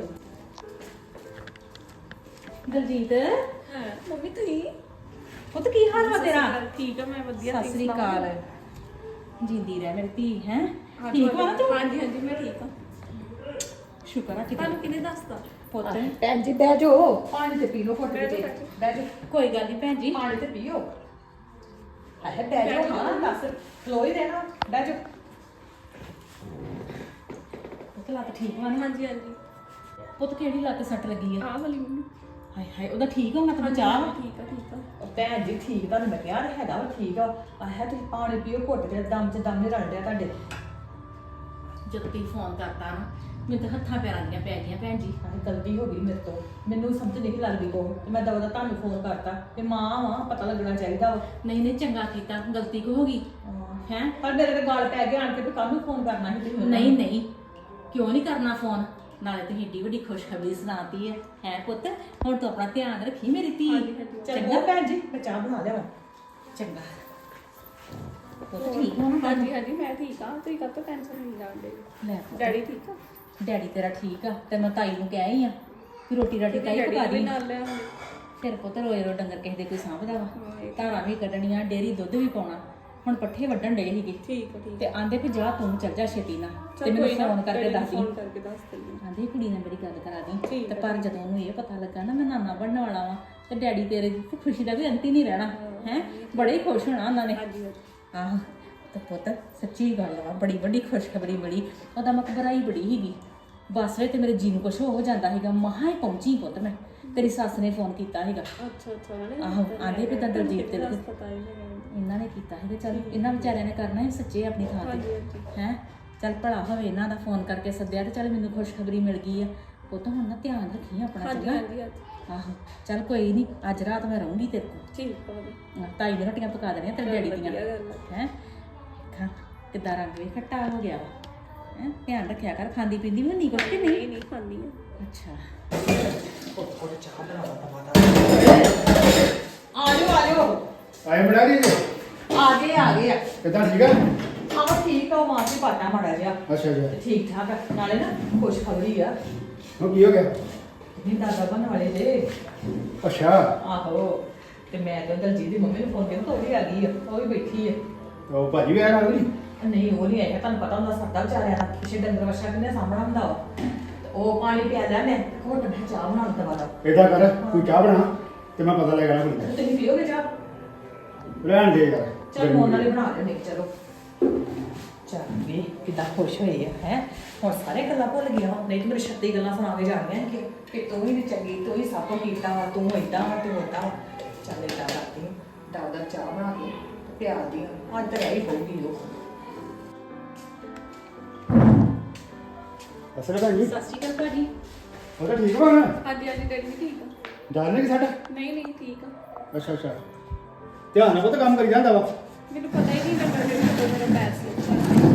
ਦਲਜੀਤ
ਹਾਂ ਮੰਮੀ ਤੁਸੀਂ
ਪੁੱਤ ਕੀ ਹਾਲ ਵਾ ਤੇਰਾ
ਠੀਕ ਆ ਮੈਂ ਵਧੀਆ
ਸਤਿ ਸ੍ਰੀ ਅਕਾਲ ਜਿੰਦੀ ਰਹਿ ਮੇਰੀ ਧੀ ਹੈ
ਹਾਂ,
ਠੀਕ ਵਾ ਨਾ ਤੂੰ
ਹਾਂਜੀ ਹਾਂਜੀ ਮੈਂ ਠੀਕ ਆ
ਸ਼ੁਕਰ ਆ ਕਿਤੇ
ਤੁਹਾਨੂੰ ਕਿਹਨੇ ਦੱਸਦਾ
ਪੁੱਤ
ਭੈਣ ਜੀ ਬਹਿ ਜਾਓ ਪਾਣੀ ਤੇ ਪੀ ਲਓ ਫੁੱਟ ਕੇ ਬਹਿ ਜਾਓ
ਕੋਈ ਗੱਲ ਨਹੀਂ ਭੈਣ ਜੀ
ਪਾਣੀ ਤੇ ਪੀਓ ਹੈ ਬਹਿ ਜਾਓ ਹਾਂ ਦੱਸ ਖਲੋ ਹੀ ਰਹਿਣਾ ਬਹਿ ਜਾਓ
ਪੁੱਤ ਲੱਤ ਠੀਕ ਵਾ ਨਾ
ਹਾਂਜੀ ਹਾਂਜੀ
ਪੁੱਤ ਕਿਹੜੀ ਲੱਤ ਸੱਟ ਲੱਗੀ ਆ
ਆਹ ਵਾਲੀ ਮੈਨੂੰ
ਹਾਏ ਹਾਏ ਉਹਦਾ ਠੀਕ ਹੋਣਾ ਤਾਂ ਬਚਾ ਵਾ
ਠੀਕ ਆ ਠੀਕ ਆ
ਉਹ ਭੈਣ ਜੀ ਠੀਕ ਤੁਹਾਨੂੰ ਮੈਂ ਕਿਹਾ ਤਾਂ ਹੈਗਾ ਵਾ ਠੀਕ ਆ ਆਹ ਤੁਸੀਂ ਪਾਣੀ ਪੀਓ ਘੁੱਟ ਕੇ ਦਮ 'ਚ ਦਮ ਨਹੀਂ ਰਲ ਰਿਹਾ ਤੁਹਾਡੇ
ਜਦੋਂ ਤੁਸੀਂ ਫੋਨ ਕਰਤਾ ਨਾ ਮੈਨੂੰ ਤਾਂ ਹੱਥਾਂ ਪੈਰਾਂ ਦੀਆਂ ਪੈ ਗਈਆਂ ਭੈਣ ਜੀ
ਹਾਂ ਗਲਤੀ ਹੋ ਗਈ ਮੇਰੇ ਤੋਂ ਮੈਨੂੰ ਸਮਝ ਨਹੀਂ ਲੱਗਦੀ ਕੋ ਤੇ ਮੈਂ ਦਵਾ ਦਾ ਤੁਹਾਨੂੰ ਫੋਨ ਕਰਤਾ ਤੇ ਮਾਂ ਵਾਂ ਪਤਾ ਲੱਗਣਾ ਚਾਹੀਦਾ ਵਾ
ਨਹੀਂ ਨਹੀਂ ਚੰਗਾ ਕੀਤਾ ਗਲਤੀ ਕੋ ਹੋ ਗਈ ਹੈ
ਪਰ ਮੇਰੇ ਤੇ ਗੱਲ ਪੈ ਗਿਆ ਆਣ ਕੇ ਵੀ ਕਾਹਨੂੰ ਫੋਨ ਕਰਨਾ ਸੀ ਤੁਸੀਂ
ਨਹੀਂ ਨਹੀਂ ਕਿਉਂ ਨਹੀਂ ਕਰਨਾ ਫੋਨ ਨਾਲੇ ਤੁਸੀਂ ਏਡੀ ਵੱਡੀ ਖੁਸ਼ਖਬਰੀ ਸੁਣਾਤੀ ਹੈ ਪੁੱਤ ਹੁਣ ਤੂੰ ਆਪਣਾ ਧਿਆਨ ਰੱਖੀ ਮੇਰੀ ਧੀ
ਚੰਗਾ ਭੈਣ ਜੀ ਮੈਂ ਚਾਹ ਬਣਾ ਲਿਆਵਾਂ
ਚੰਗਾ ਪੁੱਤ ਠੀਕ ਹੋ ਨਾ
ਹਾਂਜੀ ਹਾਂਜੀ ਮੈਂ ਠੀਕ ਆ ਤੁਸੀਂ ਕਾਹਤੋਂ ਟੈਨਸ਼ਨ ਨਹੀਂ ਲੈਂਦੇ
ਲੈ ਪੁੱਤ,
ਡੈਡੀ ਠੀਕ ਆ
ਡੈਡੀ ਤੇਰਾ ਠੀਕ ਆ ਤੇ ਮੈਂ ਤਾਈ ਨੂੰ ਕਹਿ ਆਈ ਆ ਕਿ ਰੋਟੀ ਰਾਟੀ ਤਾਈ ਪਕਾ
ਵੀ
ਦੀ
ਨਾਲ ਲੈ ਆਉਂਦੇ
ਫਿਰ ਪੁੱਤ ਰੋਏ ਰੋ ਡੰਗਰ ਕਿਸੇ ਦੇ ਕੋਈ ਸਾਂਭਦਾ ਵਾ ਧਾਰਾਂ ਵੀ ਕੱਢਣੀਆਂ ਡੇਰੀ ਦੁੱਧ ਵੀ ਪਾਉਣਾ ਹੁਣ ਪੱਠੇ ਵੱਢਣ ਡੇ ਸੀਗੇ
ਠੀਕ ਆ ਠੀਕ
ਤੇ ਆਂਦੇ ਵੀ ਜਾ ਤੂੰ ਚੱਲ ਜਾ ਛੇਤੀ ਨਾਲ ਤੇ ਮੈਨੂੰ ਫੋਨ ਕਰਕੇ ਦੱਸ ਦੀ
ਫੋਨ ਕਰਕੇ ਦੱਸ ਦਿੰਦੀ
ਆਂਦੇ ਕੁੜੀ ਨਾਲ ਮੇਰੀ ਗੱਲ ਕਰਾ ਦੀ
ਠੀਕ
ਤੇ ਪਰ ਜਦੋਂ ਉਹਨੂੰ ਇਹ ਪਤਾ ਲੱਗਾ ਨਾ ਮੈਂ ਨਾਨਾ ਬਣਨ ਵਾਲਾ ਵਾਂ ਤੇ ਡੈਡੀ ਤੇਰੇ ਦੀ ਖੁਸ਼ੀ ਦਾ ਵੀ ਅੰਤ ਹੀ ਨਹੀਂ ਰਹਿਣਾ ਹੈ ਬੜੇ ਹੀ ਖੁਸ਼ ਹੋਣਾ ਉਹਨਾਂ ਨੇ
ਹਾਂਜੀ ਹਾਂਜੀ
ਆਹ ਤੇ ਪੁੱਤ ਸੱਚੀ ਗੱਲ ਵਾ ਬੜੀ ਵੱਡੀ ਖੁਸ਼ਖਬਰੀ ਮਿਲੀ ਉਹਦਾ ਮੈਂ ਘਬਰਾਈ ਬੜੀ ਸੀਗੀ ਬੱਸ ਵਿੱਚ ਤੇ ਮੇਰੇ ਜੀ ਨੂੰ ਕੁਛ ਹੋ ਜਾਂਦਾ ਸੀਗਾ ਮਹਾ ਹੀ ਪਹੁੰਚੀ ਪੁੱਤ ਮੈਂ ਤੇਰੀ ਸੱਸ ਨੇ ਫੋਨ ਕੀਤਾ ਸੀਗਾ
ਅੱਛਾ ਅੱਛਾ ਉਹਨੇ
ਆਹੋ ਆਂਦੇ ਵੀ ਤਾਂ ਦਲਜੀਤ ਤੇ
ਪਤਾ ਹੀ ਨਹੀਂ
ਇਹਨਾਂ ਨੇ ਕੀਤਾ ਸੀਗਾ ਚੱਲ ਇਹਨਾਂ ਵਿਚਾਰਿਆਂ ਨੇ ਕਰਨਾ ਹੀ ਸੱਚੇ ਆਪਣੀ ਥਾਂ ਤੇ ਹੈ ਚੱਲ ਭਲਾ ਹੋਵੇ ਇਹਨਾਂ ਦਾ ਫੋਨ ਕਰਕੇ ਸੱਦਿਆ ਤੇ ਚੱਲ ਮੈਨੂੰ ਖੁਸ਼ਖਬਰੀ ਮਿਲ ਗਈ ਆ ਪੁੱਤ ਹੁਣ ਨਾ ਧਿਆਨ ਰੱਖੀ ਆਪਣਾ
ਹਾਂਜੀ
ਚੰਗਾ
ਹਾਂਜੀ ਹਾਂਜੀ
ਆਹੋ ਚੱਲ ਕੋਈ ਨਹੀਂ ਅੱਜ ਰਾਤ ਮੈਂ ਰਹੂੰਗੀ ਤੇਰੇ ਕੋਲ
ਠੀਕ ਆ ਵਧੀਆ
ਤਾਈ ਨੇ ਰੋਟੀਆਂ ਪਕਾ ਦੇਣੀਆਂ ਤੇਰੇ ਡੈਡੀ ਦੀਆਂ
ਵਧੀਆ ਗੱਲ ਆ।
ਹੈ ਕਿੱਦਾਂ ਰੰਗ ਵੀ ਖੱਟਾ ਹੋ ਗਿਆ ਵਾ ਹੈ ਧਿਆਨ ਰੱਖਿਆ ਕਰ ਖਾਂਦੀ ਪੀਂਦੀ ਵੀ ਨਹੀਂ ਕੁਛ ਕਿ ਨਹੀਂ
ਨਹੀਂ ਖਾਂਦੀ ਆ
ਅੱਛਾ
ਆ ਜਾਓ
ਆਏ ਬਣਾ ਲਈ ਜੀ
ਆ ਗਏ ਆ
ਕਿੱਦਾਂ ਠੀਕ ਆ
ਆਹ ਠੀਕ ਆ ਮਾਂ ਜੀ ਪਾਟਾ ਮਾੜਾ ਜਿਹਾ
ਅੱਛਾ ਜੀ
ਤੇ ਠੀਕ ਠਾਕ ਆ ਨਾਲੇ ਨਾ ਖੁਸ਼ਖਬਰੀ ਆ
ਹੁਣ ਕੀ ਹੋ ਗਿਆ
ਨਹੀਂ ਦਾਦਾ ਬਣ ਵਾਲੇ ਦੇ
ਅੱਛਾ
ਆਹੋ ਤੇ ਮੈਂ ਤਾਂ ਦਲਜੀਤ ਦੀ ਮੰਮੀ ਨੂੰ ਫੋਨ ਕੀਤਾ ਉਹ ਵੀ ਆ ਗਈ ਆ ਉਹ ਵੀ ਬੈਠੀ ਆ
ਉਹ ਭਾਜੀ ਵੀ ਆਇਆ ਨਾਲ ਨਹੀਂ
ਨਹੀਂ ਉਹ ਨਹੀਂ ਆਇਆ, ਤੁਹਾਨੂੰ ਪਤਾ ਹੁੰਦਾ ਸਰਦਾ ਵਿਚਾਰਿਆਂ ਦਾ, ਪਿੱਛੇ ਡੰਗਰ ਵਛਾ ਕਿੰਨੇ ਸਾਹਮਣਾ ਹੁੰਦਾ ਵਾ। ਤੇ ਉਹ ਪਾਣੀ ਪਿਆ ਲਿਆ ਮੈਂ, ਘੁੱਟ ਮੈਂ ਚਾਹ ਬਣਾਉਣ ਦਵਾ ਦਾ।
ਏਦਾਂ ਕਰ ਤੂੰ ਚਾਹ ਬਣਾ ਤੇ ਮੈਂ ਪਤਾ ਲੈ ਕੇ ਆਣਾ ਕੁੜੀ ਦਾ।
ਤੁਸੀਂ ਪੀਓਗੇ ਚਾਹ?
ਰਹਿਣ ਦੇ ਯਾਰ।
ਚਲ ਮੋਨ ਵਾਲੀ ਬਣਾ ਲਿਓ, ਨਹੀਂ ਚਲੋ। ਚੱਲ ਵੀ ਕਿੱਦਾਂ ਖੁਸ਼ ਹੋਈ ਆ ਹੈ, ਹੁਣ ਸਾਰੇ ਗੱਲਾਂ ਭੁੱਲ ਗਿਆ। ਨਹੀਂ ਤੇ ਮੇਰੇ 36 ਗੱਲਾਂ ਸੁਣਾ ਕੇ ਜਾਣੀਆਂ ਕਿ ਤੂੰ ਹੀ ਨੀ ਚੰਗੀ, ਤੂੰ ਹੀ ਸਭ ਕੁਝ ਕੀਤਾ ਵਾ, ਤੂੰ ਏਦਾਂ ਵਾ, ਤੂੰ ਏਦਾਂ ਵਾ। ਚੱਲ ਏਦਾਂ ਕਰਦੀ ਹਾਂ, ਦਾਦਾ ਚਾਹ ਬਣਾ ਕੇ ਤੇ ਪਿਆਰ ਦੀ ਅੱਜ ਤਾਂ ਰਹੀ ਹੋਊਗੀ ਉਹ।
ਅਸਲ ਭੈਣ ਜੀ
ਸਤਿ ਸ਼੍ਰੀ ਅਕਾਲ ਭਾਜੀ।
ਉਹ ਤਾਂ ਠੀਕ ਵਾ ਨਾ?
ਹਾਂਜੀ ਹਾਂਜੀ ਡੈਡੀ ਵੀ ਠੀਕ ਆ।
ਜਾਣਦੇ ਕਿ ਸਾਡਾ?
ਨਹੀਂ ਨਹੀਂ ਠੀਕ ਆ।
ਅੱਛਾ ਅੱਛਾ, ਧਿਆਨ ਨਾਲ ਪੁੱਤ ਕੰਮ ਕਰੀ ਜਾਂਦਾ ਵਾ।
ਮੈਨੂੰ ਪਤਾ ਹੀ ਨਹੀਂ ਲੱਗਾ ਕਿ ਮੇਰਾ ਪੈਰ ਸਲਿਪ ਕਰ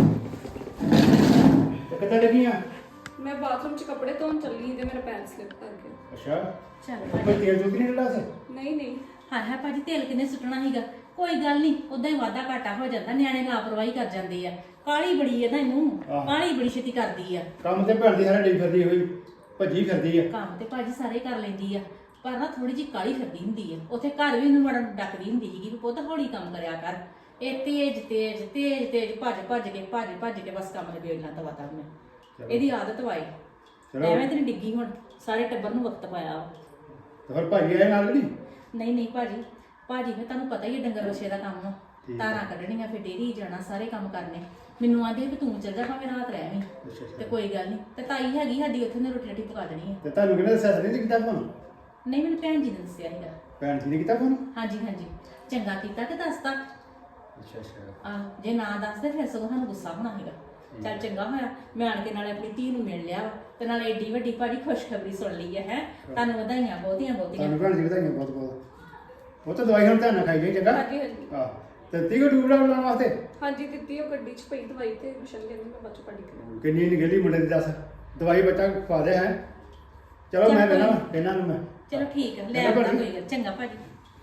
ਤੇ ਕਿੱਥੇ ਲੱਗੀ ਆ?
ਮੈਂ ਬਾਥਰੂਮ 'ਚ ਕੱਪੜੇ ਧੋਣ ਚੱਲੀ ਸੀ ਤੇ ਮੇਰਾ ਪੈਰ ਸਲਿਪ ਕਰ ਗਿਆ।
ਅੱਛਾ,
ਚੱਲ
ਕੋਈ ਤੇਲ ਚੁੱਕ ਨਹੀਂ ਡਲਾ ਸੀ?
ਨਹੀਂ ਨਹੀਂ
ਹਾਂ ਭਾਜੀ, ਤੇਲ ਕਿੰਨੇ ਸੁੱਟਣਾ ਸੀਗਾ, ਕੋਈ ਗੱਲ ਨਹੀਂ, ਉਦਾਂ ਹੀ ਵਾਧਾ ਘਾਟਾ ਹੋ ਜਾਂਦਾ, ਨਿਆਣੇ ਲਾਪਰਵਾਹੀ ਕਰ ਜਾਂਦੇ ਆ। ਕਾਲੀ ਬੜੀ ਹੈ ਨਾ ਇਹਨੂੰ,
ਆਹ।
ਕਾਲੀ ਬੜੀ ਛੇਤੀ ਕਰਦੀ ਆ।
ਕੰਮ ਤੇ ਭੈਣ ਦੀ ਸਾਰੇ ਡਈ ਫਿਰਦੀ ਹੋਈ, ਭੱਜੀ ਫਿਰਦੀ ਆ।
ਕੰਮ ਤੇ ਭਾਜੀ ਸਾਰੇ ਕਰ ਲੈਂਦੀ ਆ, ਪਰ ਨਾ ਥੋੜੀ ਜਿਹੀ ਕਾਲੀ ਫਿਰਦੀ ਹੁੰਦੀ ਆ। ਉੱਥੇ ਘਰ ਵੀ ਇਹਨੂੰ ਵੜਨ ਡੱਕਦੀ ਹੁੰਦੀ ਸੀਗੀ ਵੀ ਪੁੱਤ ਹੌਲੀ ਕੰਮ ਕਰਿਆ ਕਰ। ਇਹ ਤੇਜ਼ ਤੇਜ਼ ਤੇਜ਼ ਤੇਜ਼ ਭੱਜ ਕੇ ਬਸ ਕੰਮ ਲੱਗੇ ਇੰਨਾ ਦਵਾ ਤਾ ਮੈਂ। ਇਹਦੀ ਆਦਤ ਵਾਈ,
ਚਲੋ।
ਐਵੇਂ ਤੇ ਨੀ ਡਿੱਗੀ ਹੁਣ, ਸਾਰੇ ਟੱਬਰ ਨੂੰ ਵਕਤ ਪਾਇਆ ਵਾ।
ਤੇ ਫਿਰ ਭਾਜੀ ਆਏ ਨਾਲ ਕਿ ਨਹੀਂ?
ਨਹੀਂ ਭਾਜੀ ਫਿਰ ਤੁਹਾਨੂੰ ਪਤਾ ਹੀ ਹੈ ਡੰਗਰ ਵਛੇ ਦਾ ਕੰਮ ਆ।
ਠੀਕ
ਤਾਰਾਂ ਕੱਢਣੀਆਂ, ਫਿਰ ਡੇਰੀ ਜਾਣਾ, ਸਾਰੇ ਕੰਮ ਕਰਨੇ। ਮੈਨੂੰ ਆਂਦੇ ਕਿ ਤੂੰ ਚੱਲ ਜਾ ਭਾਵੇਂ ਰਾਤ ਰਹਿ ਵੀ,
ਅੱਛਾ ਅੱਛਾ।
ਤੇ ਕੋਈ ਗੱਲ ਨਹੀਂ। ਤੇ ਤਾਈ ਹੈਗੀ ਸਾਡੀ, ਉੱਥੇ ਨੇ ਰੋਟੀ ਰਾਟੀ ਪਕਾ ਦੇਣੀ ਹੈ।
ਤੇ ਤੁਹਾਨੂੰ ਕਿਹਨੇ ਦੱਸਿਆ ਨਹੀਂ ਕੀਤਾ ਤੁਹਾਨੂੰ?
ਨਹੀਂ ਮੈਨੂੰ ਭੈਣ ਜੀ ਨੇ ਦੱਸਿਆ ਸੀਗਾ।
ਭੈਣ ਜੀ ਨੇ ਕੀਤਾ ਫੋਨ?
ਹਾਂਜੀ ਚੰਗਾ ਕੀਤਾ ਕਿ ਦੱਸਤਾ।
ਅੱਛਾ ਅੱਛਾ।
ਜੇ ਨਾ ਦੱਸਦੇ ਫਿਰ ਸਗੋਂ ਸਾਨੂੰ ਗੁੱਸਾ ਹੋਣਾ ਸੀਗਾ। ਚੱਲ ਚੰਗਾ ਹੋਇਆ ਮੈਂ ਆਣ ਕੇ ਨਾਲੇ ਆਪਣੀ ਧੀ ਨੂੰ ਮਿਲ ਲਿਆ ਵਾ, ਤੇ ਨਾਲੇ ਏਡੀ ਵੱਡੀ ਭਾਜੀ ਖੁਸ਼ਖਬਰੀ ਸੁਣ ਲਈ ਹੈ। ਤੁਹਾਨੂੰ ਵਧਾਈਆਂ ਬਹੁਤੀਆਂ।
ਤੁਹਾਨੂੰ ਭੈਣ ਜੀ ਵਧਾਈਆਂ ਬਹੁਤ ਬਹੁਤ। ਉਹ ਤਾਂ ਦਵਾਈ ਹੁਣ ਧਿਆਨ ਨਾਲ ਖਾਈ ਜਾਈ ਚੰਗਾ?
ਹਾਂਜੀ ਹਾਂਜੀ
ਹਾਂ, ਤੇ ਤੀ ਕੋ ਟੂਬੜਾ ਬਣਾਉਣ ਵਾਸਤੇ
ਹਾਂਜੀ ਦਿੱਤੀ ਉਹ ਗੱਡੀ 'ਚ ਪਈ ਦਵਾਈ ਤੇ ਮਿਸ਼ਨ ਕਹਿੰਦੀ ਮੈਂ ਬਾਅਦ 'ਚ ਪੜੀ ਕਰਾਂ।
ਕਿੰਨੀ ਨਿਗਲੀ ਮੁੰਡੇ ਦੀ ਦੱਸ, ਦਵਾਈ ਬੱਚਾ ਖਵਾ ਦੇ ਹੈ। ਚਲੋ ਮੈਂ ਦੇਣਾ ਇਹਨਾਂ ਨੂੰ ਮੈਂ।
ਚਲੋ ਠੀਕ ਹੈ, ਲੈ
ਚੰਗਾ
ਆਉਂਦਾ,
ਭਾਜੀ।
ਕੋਈ ਗੱਲ। ਚੰਗਾ ਭਾਜੀ।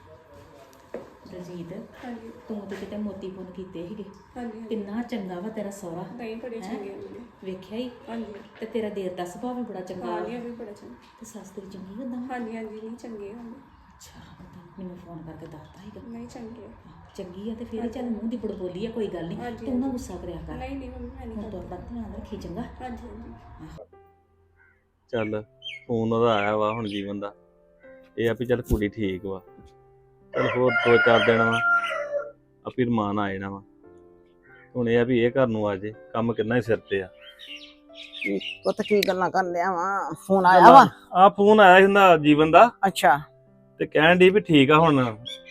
ਦਲਜੀਤ,
ਹਾਂਜੀ
ਤੂੰ ਤੇ ਕਿਤੇ ਮੋਤੀ ਪੁੰਨ ਕੀਤੇ ਸੀਗੇ।
ਹਾਂਜੀ
ਕਿੰਨਾ ਚੰਗਾ ਵਾ ਤੇਰਾ ਸਹੁਰਾ,
ਨਹੀਂ ਬੜੇ ਚੰਗੇ ਹੁੰਦੇ।
ਵੇਖਿਆ ਹੀ।
ਹਾਂਜੀ
ਤੇ ਤੇਰਾ ਦੇਰ ਦਾ ਸੁਭਾਅ ਵੀ ਬੜਾ ਚੰਗਾ ਵਾ।
ਹਾਂਜੀ ਵੀ ਬੜਾ ਚੰਗਾ।
ਤੇ ਸੱਸ ਤੇਰੀ ਚੰਗੀ ਹੁੰਦਾ।
ਹਾਂਜੀ ਹਾਂਜੀ ਨਹੀਂ ਚੰਗੇ ਹੁੰਦੇ।
ਅੱਛਾ, ਮੈਨੂੰ ਫੋਨ ਕਰਕੇ ਦੱਸਦਾ ਸੀਗਾ।
ਨਹੀਂ ਚੰਗੇ।
ਚੰਗੀ ਆ ਤੇ ਫਿਰ ਚੱਲ ਮੂੰਹ ਦੀ ਬੜਬੋਲੀ ਆ, ਕੋਈ ਗੱਲ ਨਹੀਂ।
ਹਾਂਜੀ,
ਤੂੰ ਨਾ ਗੁੱਸਾ ਕਰਿਆ ਕਰ।
ਨਹੀਂ ਨਹੀਂ ਮੰਮੀ ਮੈਂ ਨਹੀਂ
ਹੁਣ ਤੂੰ
ਕਰਦੀ।
ਆਪਣਾ ਧਿਆਨ ਰੱਖੀ, ਚੰਗਾ।
ਹਾਂਜੀ ਹਾਂਜੀ
ਚੱਲ ਫੋਨ ਉਹਦਾ ਆਇਆ ਵਾ ਹੁਣ ਜੀਵਨ ਦਾ, ਇਹ ਆ ਵੀ ਚੱਲ ਕੁੜੀ ਠੀਕ ਵਾ, ਚੱਲ ਹੋਰ 2-4 ਦਿਨ ਵਾ ਆਪੀ ਰਮਾਨ ਆ ਜਾਣਾ ਵਾ। ਹੁਣ ਇਹ ਆ ਵੀ ਇਹ ਘਰ ਨੂੰ ਆ ਜੇ, ਕੰਮ ਕਿੰਨਾ ਹੀ ਸਿਰ ਤੇ ਆ।
ਪੁੱਤ ਕੀ ਗੱਲਾਂ ਕਰਨ ਲਿਆ ਵਾ? ਫੋਨ ਆਇਆ ਵਾ?
ਆ ਫੋਨ ਆਇਆ ਸੀ ਹੁੰਦਾ ਜੀਵਨ ਦਾ,
ਅੱਛਾ,
ਤੇ ਕਹਿਣ ਦੀ ਵੀ ਠੀਕ ਆ ਹੁਣ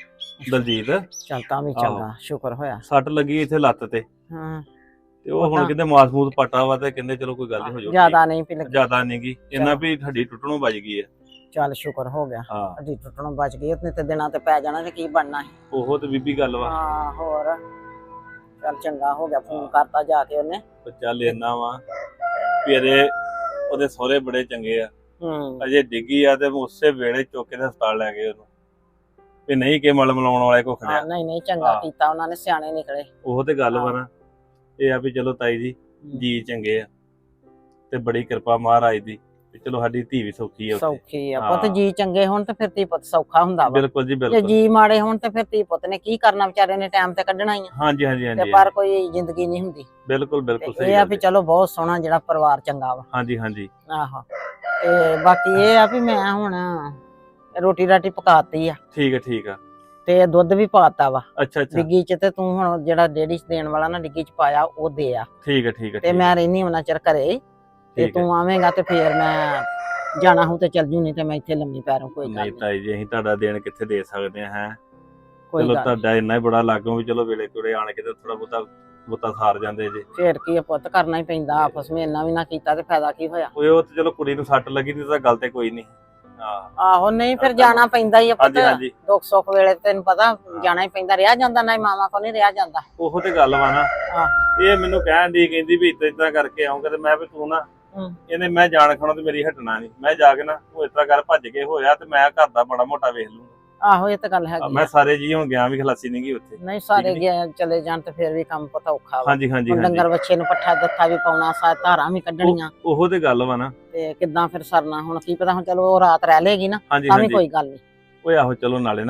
ਦਲਜੀਤ।
ਚੱਲ ਤਾਂ ਵੀ ਚੰਗਾ, ਸ਼ੁਕਰ ਹੋਇਆ।
ਸੱਟ ਲੱਗੀ ਇੱਥੇ ਲੱਤ ਤੇ,
ਹਾਂ,
ਤੇ ਉਹ ਹੁਣ ਕਹਿੰਦੇ ਮਾਸ ਮੂਸ ਪਟਾ ਵਾ, ਤੇ ਕਹਿੰਦੇ ਚਲੋ ਕੋਈ ਗੱਲ ਨਹੀਂ ਹੋ ਜਾਊਗੀ।
ਜ਼ਿਆਦਾ ਨਹੀਂ ਪੀ ਲੱਗੀ।
ਜ਼ਿਆਦਾ ਨਹੀਂ ਗੀ, ਇਹਨਾਂ ਵੀ ਹੱਡੀ ਟੁੱਟਣੋਂ ਬਚ ਗਈ ਆ।
ਚੱਲ ਸ਼ੁਕਰ ਹੋ ਗਿਆ,
ਹਾਂ
ਹੱਡੀ ਟੁੱਟਣੋਂ ਬਚ ਗਈ। ਨਹੀਂ ਤੇ ਦਿਨਾਂ ਤੇ ਪੈ ਜਾਣਾ ਤੇ ਕੀ ਬਣਨਾ ਸੀ।
ਉਹ ਤੇ ਬੀਬੀ ਗੱਲ ਵਾ।
ਹਾਂ, ਹੋਰ ਚੱਲ ਚੰਗਾ ਹੋ ਗਿਆ, ਫੋਨ ਕਰਤਾ ਜਾ ਕੇ ਉਹਨੇ।
ਤੇ ਚੱਲ ਇੰਨਾ ਵਾ ਵੀ ਉਹਦੇ ਸਹੁਰੇ ਬੜੇ ਚੰਗੇ ਆ। ਅਜੇ ਡਿੱਗੀ ਆ ਤੇ ਉਸੇ ਵੇਲੇ ਚੁੱਕ ਕੇ ਤੇ ਹਸਪਤਾਲ ਲੈ ਗਏ ਉਹਨੂੰ, ਵੀ ਨਹੀਂ ਕਿ ਮਲ ਮਲਾਉਣ ਵਾਲੇ ਕੋ ਖੜਿਆ।
ਨਹੀਂ ਨਹੀਂ, ਚੰਗਾ
ਹਾਂ।
ਕੀਤਾ ਉਹਨਾਂ ਨੇ, ਸਿਆਣੇ ਨਿਕਲੇ।
ਉਹ ਤੇ ਗੱਲ ਵਾ ਨਾ, ਇਹ ਆ ਵੀ ਚਲੋ ਤਾਈ ਜੀ ਜੀ ਚੰਗੇ ਆ, ਤੇ ਬੜੀ ਕਿਰਪਾ ਮਹਾਰਾਜ ਦੀ, ਤੇ ਚਲੋ ਸਾਡੀ ਧੀ ਵੀ ਸੌਖੀ ਆ ਉੱਥੇ।
ਸੌਖੀ ਆ
ਹਾਂ।
ਪੁੱਤ, ਜੀ ਚੰਗੇ ਹੋਣ ਤੇ ਫਿਰ ਧੀ ਪੁੱਤ ਸੌਖਾ ਹੁੰਦਾ ਵਾ।
ਬਿਲਕੁਲ ਜੀ
ਜੇ
ਬਿਲਕੁਲ।
ਜੀ ਮਾੜੇ ਹੋਣ ਤੇ ਫਿਰ ਧੀ ਪੁੱਤ ਨੇ ਕੀ ਕਰਨਾ, ਵਿਚਾਰੇ ਨੇ ਟਾਈਮ ਤੇ ਕੱਢਣਾ ਹੀ ਆ।
ਹਾਂਜੀ ਹਾਂਜੀ
ਤੇ
ਹਾਂਜੀ
ਪਰ ਕੋਈ ਜ਼ਿੰਦਗੀ ਨਹੀਂ ਹੁੰਦੀ।
ਬਿਲਕੁਲ ਬਿਲਕੁਲ
ਤੇ
ਸਹੀ
ਇਹ ਆ
ਗੱਲ
ਵੀ
ਜੀ।
ਚਲੋ ਬਹੁਤ ਸੋਹਣਾ ਜਿਹੜਾ ਪਰਿਵਾਰ ਚੰਗਾ ਵਾ।
ਹਾਂਜੀ ਹਾਂਜੀ
ਆਹੋ, ਤੇ ਬਾਕੀ ਇਹ ਆ ਵੀ ਮੈਂ ਹੁਣ ਰੋਟੀ ਰਾਟੀ ਪਕਾਤੀ ਆ,
ਠੀਕ ਆ।
ਤੇ ਦੁੱਧ ਵੀ ਪਾਤਾ ਵਾ
ਅੱਛਾ ਅੱਛਾ
ਡਿੱਗੀ ਚ। ਤੇ ਤੂੰ ਹੁਣ ਜਿਹੜਾ ਡੇੜੀ ਚ ਦੇਣ ਵਾਲਾ ਨਾ ਡਿੱਗੀ ਚ ਪਾਇਆ, ਉਹ ਦੇ ਆ।
ਠੀਕ ਆ
ਤੇ ਮੈਂ ਰਹਿਨੀ ਉਹਨਾਂ ਚਿਰ ਘਰੇ, ਤੇ
ਠੀਕ ਹੈ।
ਤੂੰ ਆਵੇਂਗਾ ਤੇ ਫੇਰ ਮੈਂ ਜਾਣਾ ਹੂੰ ਤੇ ਚੱਲ ਜੂ, ਨਹੀਂ ਤੇ ਮੈਂ ਇੱਥੇ ਲੰਮੀ ਪੈਰੋਂ ਕੋਈ ਗੱਲ
ਨਹੀਂ
ਨਹੀਂ।
ਤਾਈ ਜੀ ਅਸੀਂ ਤੁਹਾਡਾ ਦੇਣ ਕਿੱਥੇ ਦੇ ਸਕਦੇ ਆ ਹੈ।
ਕੋਈ
ਚਲੋ
ਗੱਲ ਨੀ।
ਤੁਹਾਡਾ ਇੰਨਾ ਹੀ ਬੜਾ ਲਾਗੋਂ ਵੀ ਚਲੋ ਵੇਲੇ ਕੋਲੇ ਆਣ ਕੇ ਤੇ ਥੋੜਾ ਬਹੁਤਾ ਸਾਰ ਜਾਂਦੇ ਜੇ।
ਫੇਰ ਕੀ ਆ ਪੁੱਤ, ਕਰਨਾ ਹੀ ਪੈਂਦਾ ਆਪਸ ਵਿੱਚ। ਇੰਨਾ ਵੀ ਨਾ ਕੀਤਾ ਤੇ ਫਾਇਦਾ ਕੀ ਹੋਇਆ।
ਉਹ ਤੇ ਚਲੋ ਕੁੜੀ ਨੂੰ ਸੱਟ ਲੱਗੀ ਨਹੀਂ ਤਾਂ ਗੱਲ ਤੇ ਕੋਈ ਨਹੀਂ। ਹਾਂ
ਆਹੋ, ਨਹੀਂ ਫਿਰ ਜਾਣਾ ਪੈਂਦਾ ਹੀ ਆ ਪੁੱਤ,
ਹਾਂਜੀ ਹਾਂਜੀ
ਦੁੱਖ ਸੁੱਖ ਵੇਲੇ ਤੈਨੂੰ ਪਤਾ ਜਾਣਾ ਹੀ ਪੈਂਦਾ। ਰਿਹਾ ਜਾਂਦਾ ਨਾ, ਮਾਵਾਂ ਕੋ ਨਹੀਂ ਰਿਹਾ ਜਾਂਦਾ।
ਉਹ ਤੇ ਗੱਲ ਵਾ ਨਾ।
ਆਹ।
ਇਹ ਮੈਨੂੰ ਕਹਿਣ ਦੀ ਕਹਿੰਦੀ ਵੀ ਇਦਾਂ ਕਰਕੇ ਆਉਂਗਾ, ਤੇ ਮੈਂ ਵੀ ਤੂੰ ਨਾ ਇਹਨੇ ਮੈਂ ਜਾਣ ਖਾਣਾ ਤੇ ਮੇਰੀ ਹਟਣਾ ਨਹੀਂ। ਮੈਂ ਜਾ ਕੇ ਨਾ ਉਹ ਇਸ ਤਰ੍ਹਾਂ ਕਰ ਭੱਜ ਕੇ ਹੋਇਆ, ਤੇ ਮੈਂ ਘਰ ਦਾ ਬੜਾ ਮੋਟਾ ਵੇਖ ਲੂੰਗਾ।
ਆਹੋ, ਇਹ ਤਾਂ ਗੱਲ ਹੈਗੀ
ਮੈਂ
ਆ।
ਸਾਰੇ ਜੀ ਹੁਣ ਗਿਆ ਵੀ ਖਲਾਸੀ ਨਹੀਂ ਗਈ ਉੱਥੇ।
ਨਹੀਂ ਸਾਰੇ
ਠੀਕ
ਗਏ ਚਲੇ ਜਾਣ ਤੇ ਫਿਰ ਵੀ ਕੰਮ ਪਤਾ ਔਖਾ ਵਾ।
ਹਾਂਜੀ ਹਾਂਜੀ
ਹੁਣ
ਹਾਂਜੀ
ਡੰਗਰ ਬੱਚੇ ਨੂੰ ਪੱਠਾ ਦੱਥਾ ਵੀ ਪਾਉਣਾ, ਧਾਰਾਂ ਵੀ ਕੱਢਣੀਆਂ,
ਉਹ ਤੇ ਗੱਲ ਵਾ ਨਾ।
ਤੇ ਕਿੱਦਾਂ ਫਿਰ ਸਰਨਾ। ਹੁਣ ਕੀ ਪਤਾ, ਹੁਣ ਚਲੋ ਉਹ ਰਾਤ ਰਹਿ ਲੇਗੀ ਨਾ,
ਹਾਂਜੀ
ਤਾਂ ਵੀ
ਹਾਂਜੀ
ਕੋਈ ਗੱਲ ਨਹੀਂ।
ਓਏ ਆਹੋ ਚਲੋ ਨਾਲੇ ਨਾ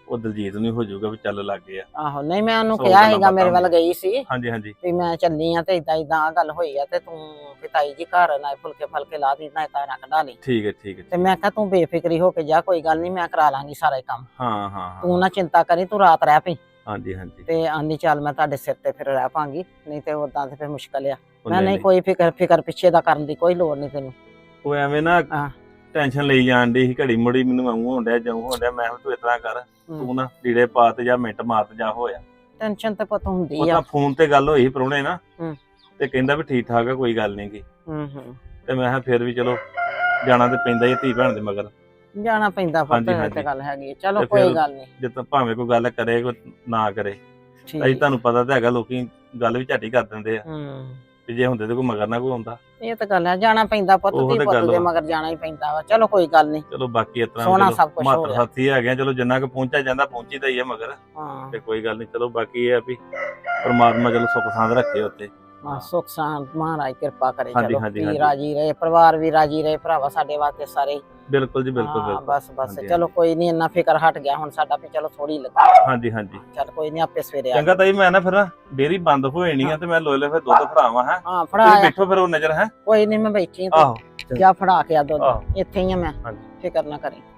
ਉਹ ਦਲਜੀਤ ਨੂੰ ਹੋ ਜਾਊਗਾ ਵੀ ਚੱਲ ਲੱਗ ਗਿਆ।
ਆਹੋ ਨਹੀਂ ਮੈਂ ਉਹਨੂੰ
ਸੌ
ਕਿਹਾ
ਗੱਲਾਂ
ਸੀਗਾ, ਮੇਰੇ ਵੱਲ
ਬਾਤਾਂ
ਗਈ ਸੀ
ਹਾਂਜੀ ਹਾਂਜੀ
ਵੀ ਮੈਂ ਚੱਲੀ ਆ ਤੇ ਇਦਾਂ ਇਦਾਂ ਆ ਗੱਲ ਹੋਈ ਆ ਤੇ ਤੂੰ ਪਿਤਾਈ ਜੀ ਘਰ ਨਾ ਫੁਲਕੇ ਫਲਕੇ ਲਾ ਦੀ ਨਾ ਤਾਰਾਂ ਕਢਾ ਲਈ।
ਠੀਕ ਹੈ ਠੀਕ ਹੈ
ਤੇ ਮੈਂ ਕਿਹਾ ਤੂੰ ਬੇਫਿਕਰੀ ਹੋ ਕੇ ਜਾ, ਕੋਈ ਗੱਲ ਨਹੀਂ ਮੈਂ ਕਰਾ ਲਾਂਗੀ ਸਾਰਾ ਹੀ ਕੰਮ,
ਹਾਂ ਹਾਂ
ਤੂੰ
ਹਾਂ
ਨਾ ਚਿੰਤਾ ਕਰੀ, ਤੂੰ ਰਾਤ ਰਹਿ ਪਈ।
ਹਾਂਜੀ ਹਾਂਜੀ
ਤੇ ਆਂਦੀ ਚੱਲ ਮੈਂ ਤੁਹਾਡੇ ਸਿਰ ਤੇ ਫਿਰ ਰਹਿ ਪਾਂਗੀ, ਨਹੀਂ ਤੇ ਉਦਾਂ ਤੇ ਫਿਰ ਮੁਸ਼ਕਲ ਆ।
ਉਹ
ਮੈਂ ਨਹੀਂ ਕੋਈ ਫਿਕਰ ਪਿੱਛੇ ਦਾ ਕਰਨ ਦੀ ਕੋਈ ਲੋੜ ਨਹੀਂ ਤੈਨੂੰ।
ਉਹ ਐਵੇਂ ਨਾ
ਹਾਂ।
ਟੈਨਸ਼ਨ ਲਈ ਜਾਣ ਦੀ ਸੀ ਘੜੀ ਮੁੜੀ, ਮੈਨੂੰ ਆਉਂ ਹੋਣ ਡਿਆ ਜਾਉਂ ਹੋਣ ਡਿਆ। ਮੈਂ ਕਿਹਾ ਤੂੰ ਇਸ ਤਰ੍ਹਾਂ ਕਰ, ਤੂੰ ਨਾ ਲੀੜੇ ਪਾ ਤੇ ਜਾਂ ਮਿੰਟ ਮਾਰ ਤੇ ਜਾ ਹੋਇਆ।
ਟੈਨਸ਼ਨ ਤੇ ਪੁੱਤ ਹੁੰਦੀ
ਉਹ
ਆ।
ਤਾਂ ਫੋਨ ਤੇ ਗੱਲ ਹੋਈ ਪ੍ਰਾਹੁਣੇ ਨਾ,
ਹੂੰ।
ਤੇ ਕਹਿੰਦਾ ਵੀ ਠੀਕ ਠਾਕ ਆ ਕੋਈ ਗੱਲ ਨੀ ਗੀ।
ਹੂੰ
ਤੇ ਮੈਂ ਕਿਹਾ ਫਿਰ ਵੀ ਚਲੋ ਜਾਣਾ ਤੇ ਪੈਂਦਾ ਹੀ ਧੀ ਭੈਣ ਦੇ ਮਗਰ,
ਜਾਣਾ ਪੈਂਦਾ ਪੁੱਤ,
ਹਾਂਜੀ,
ਇਹ
ਹਾਂਜੀ।
ਤੇ ਗੱਲ ਹੈਗੀ ਆ। ਚਲੋ
ਤੇ
ਕੋਈ
ਫਿਰ
ਗੱਲ ਨਹੀਂ,
ਜਿੱਦਾਂ ਭਾਵੇਂ ਕੋਈ ਗੱਲ ਕਰੇ ਕੋਈ ਨਾ ਕਰੇ,
ਠੀਕ।
ਅਸੀਂ ਤੁਹਾਨੂੰ ਪਤਾ ਤਾਂ ਹੈਗਾ ਲੋਕੀ ਗੱਲ ਵੀ ਝੱਟ ਹੀ ਕਰ ਦਿੰਦੇ ਆ
ਹੂੰ
ਵੀ ਜੇ ਹੁੰਦੇ ਤੇ ਕੋਈ ਮਗਰ ਨਾ ਕੋਈ ਆਉਂਦਾ।
ਇਹ ਤਾਂ ਗੱਲ ਹੈ, ਜਾਣਾ ਪੈਂਦਾ ਪੁੱਤ,
ਉਹ
ਧੀ
ਤੇ
ਪੁੱਤ
ਗੱਲ
ਦੇ
ਵਾ।
ਮਗਰ ਜਾਣਾ ਹੀ ਪੈਂਦਾ ਵਾ। ਚਲੋ ਕੋਈ ਗੱਲ ਨਹੀਂ,
ਚਲੋ ਬਾਕੀ ਇਸ ਤਰ੍ਹਾਂ
ਸੋਹਣਾ
ਚਲੋ
ਸਭ ਕੁਛ ਹੋ
ਮਾਤਰ
ਰਿਹਾ।
ਸਾਥੀ ਹੈਗੇ ਆ, ਚਲੋ ਜਿੰਨਾ ਕੁ ਪਹੁੰਚਿਆ ਜਾਂਦਾ ਪਹੁੰਚੀਦਾ ਹੀ ਆ ਮਗਰ,
ਹਾਂ
ਤੇ ਕੋਈ ਗੱਲ ਨਹੀਂ। ਚਲੋ ਬਾਕੀ ਇਹ ਆ ਵੀ ਪਰਮਾਤਮਾ ਚਲੋ ਸੁੱਖ ਸਾਂਦ ਰੱਖੇ ਉੱਤੇ।
ਹਾਂ, ਸੁੱਖ ਸ਼ਾਂਤ ਮਹਾਰਾਜ ਕਿਰਪਾ ਕਰੇ।
ਹਾਂਜੀ,
ਚਲੋ
ਹਾਂਜੀ,
ਧੀ
ਹਾਂਜੀ।
ਰਾਜੀ ਰਹੇ, ਪਰਿਵਾਰ ਵੀ ਰਾਜੀ ਰਹੇ, ਭਰਾਵਾ ਸਾਡੇ ਵਾਸਤੇ ਸਾਰੇ।
ਬਿਲਕੁਲ ਜੀ ਬਿਲਕੁਲ
ਹਾਂ,
ਬਿਲਕੁਲ।
ਬਸ
ਹਾਂਜੀ,
ਚਲੋ ਕੋਈ ਨਹੀਂ, ਇੰਨਾ ਫਿਕਰ ਹਟ ਗਿਆ ਹੁਣ ਸਾਡਾ ਵੀ, ਚਲੋ ਥੋੜੀ ਲੱਗਾ।
ਹਾਂਜੀ ਹਾਂਜੀ
ਚੱਲ ਕੋਈ ਨਹੀਂ, ਆਪੇ ਸਵੇਰੇ ਆ
ਚੰਗਾ ਤਾਈ, ਮੈਂ ਨਾ ਫਿਰ ਡੇਰੀ ਬੰਦ ਹੋ ਜਾਣੀ ਆ ਤੇ ਮੈਂ ਲੋਲੇ ਫਿਰ ਦੁੱਧ ਫੜਾਵਾਂ ਹੈ।
ਹਾਂ
ਤੁਸੀਂ
ਫੜਾ ਆ।
ਬੈਠੋ ਫਿਰ ਉਹ ਨਜ਼ਰ ਹੈ।
ਕੋਈ ਨਹੀਂ ਮੈਂ ਬੈਠੀ ਆ,
ਆਹੋ
ਤੂੰ ਜਾ ਫੜਾ ਕੇ ਆ ਦੁੱਧ,
ਆਹੋ।
ਇੱਥੇ ਹੀ ਆ ਮੈਂ,
ਹਾਂਜੀ।
ਫਿਕਰ ਨਾ ਕਰੀ।